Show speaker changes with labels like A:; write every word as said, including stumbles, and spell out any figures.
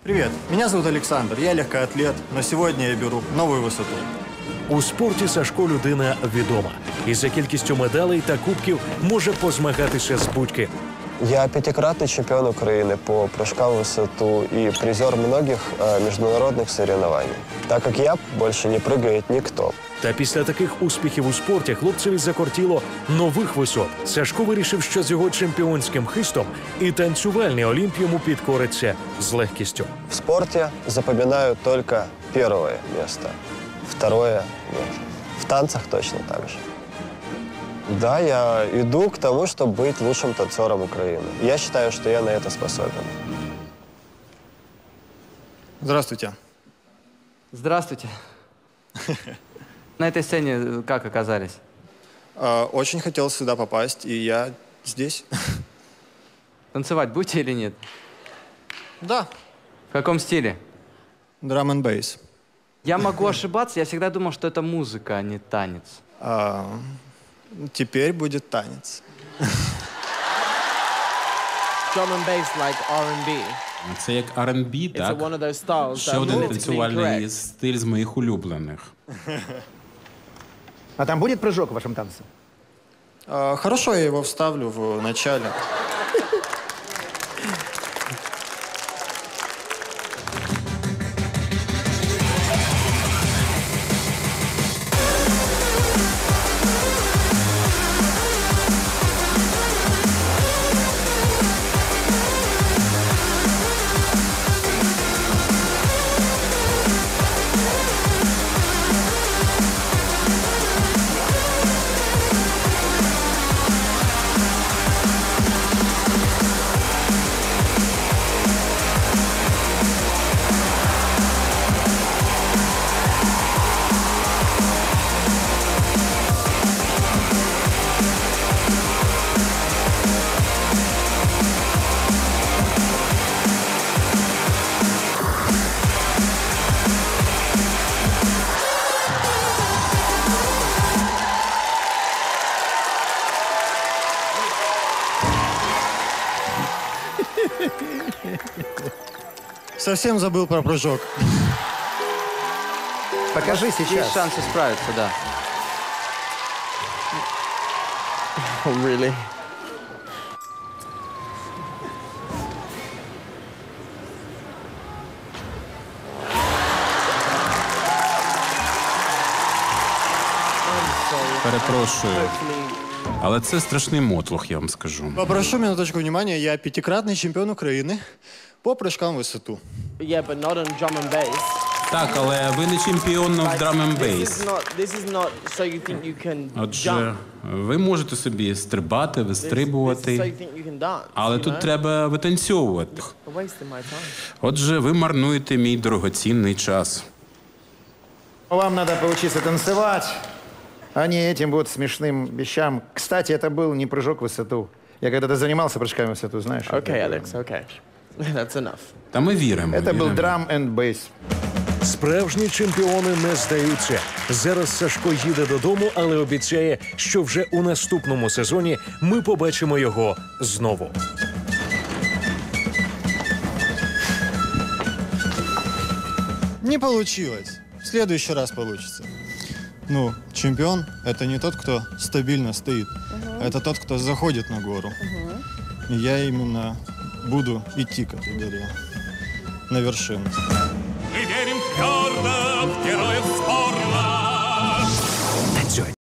A: Привет, меня зовут Александр, я легкоатлет, но сегодня я беру новую высоту.
B: У спорті Сашко людина відома. І за кількістю медалей та кубків може позмагатися з будь-ким.
C: Я пятикратный чемпион Украины по прыжкам в высоту и призер многих э, международных соревнований. Так как я, больше не прыгает никто.
B: Та після таких успіхів у спорті хлопцеві закортіло нових висот. Сашко вирішив, що з його чемпіонським хистом і танцювальний Олімп йому підкориться з легкістю.
C: В спорте запоминаю только первое место, второе нет. В танцах точно так же. Да, я иду к тому, чтобы быть лучшим танцором Украины. Я считаю, что я на это способен.
A: Здравствуйте.
D: Здравствуйте. На этой сцене как оказались?
A: А, очень хотел сюда попасть, и я здесь.
D: Танцевать будете или нет?
A: Да.
D: В каком стиле?
A: Драм энд бейс.
D: Я могу ошибаться, я всегда думал, что это музыка, а не танец.
A: А, теперь будет танец.
E: Drum and bass like ар енд бі.
F: Це як ар енд бі,
E: It's
F: так?
E: one of those styles
F: Ще
E: that
F: один
E: politically
F: танцювальний
E: incorrect.
F: стиль з моїх улюблених.
G: А там будет прыжок в вашем танце?
A: А, хорошо, я его вставлю в начале. Совсем забыл про прыжок.
G: Покажи
D: Есть
G: сейчас.
D: шанс исправиться, да.
E: Oh, really?
F: Перепрошую. Але це страшний мотлох, я вам скажу.
A: Попрошу минуточку внимания, я пятикратный чемпион Украины по прыжкам в высоту.
E: Yeah, but not on drum and bass.
F: Так, але ви не чемпіон в
E: Like,
F: драм енд
E: This
F: бейс.
E: is not. This is not. So you think you can
F: Отже,
E: jump.
F: ви можете собі стрибати,
E: This, this is so
F: вистрибувати,
E: you think you can dance.
F: але
E: you
F: тут
E: know?
F: треба витанцьовувати.
E: You're wasting my time.
F: Отже, ви марнуєте мій дорогоцінний час.
G: Вам надо поучиться танцевать, а не этим вот смешным вещам. Кстати, это был не прыжок в высоту. Я когда-то занимался прыжками в высоту, знаешь.
E: Okay,
G: это,
E: Alex. Okay, that's enough.
F: Та ми віримо.
G: это был
F: віримо.
G: драм энд бейс.
B: Справжні чемпіони не здаються. Зараз Сашко їде додому, але обіцяє, що вже у наступному сезоні ми побачимо його знову.
A: Не получилось. В следующий раз получится. Ну, чемпион – это не тот, кто стабильно стоит. Это тот, кто заходит на гору. И я именно буду идти к этой горе, на вершину.
H: Мы верим твердо в героев спорта.